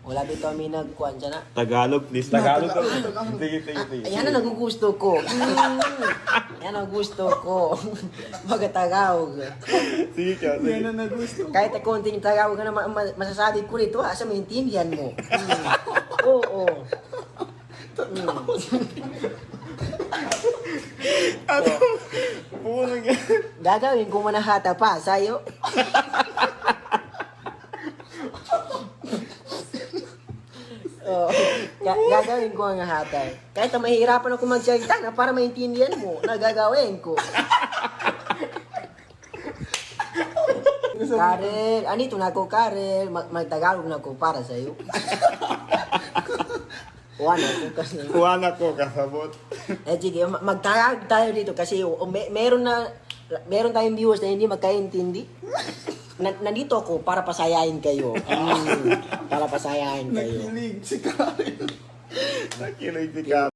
Wala dito kami nagkuhan siya na. Tagalog, please. Tagalog. Sige. Yan ang nagugusto ko. Yan ang gusto ko. Pagkatagawag. Sige ka, sige. Yan ang nagusto. Kahit konting tagawag na masasabi ko rito, asa maintindihan mo. Oo. Puno nga. Gagawin ko manahata pa sa'yo. Gagawin ko ang hatay. Kahit na mahihirapan ako magsalita na para maintindihan mo, nagagawin ko. Karel, anito na ako, Karel. Magtagalog na ako para sa'yo. Wala ko kasi. Kuha ko kasabot. Sige, magtagalog tayo dito kasi meron tayong viewers na hindi magkaintindi. Nandito ako para pasayahin kayo. Para pasayahin kayo. Nakilig si Karen. Nakilig si Karen.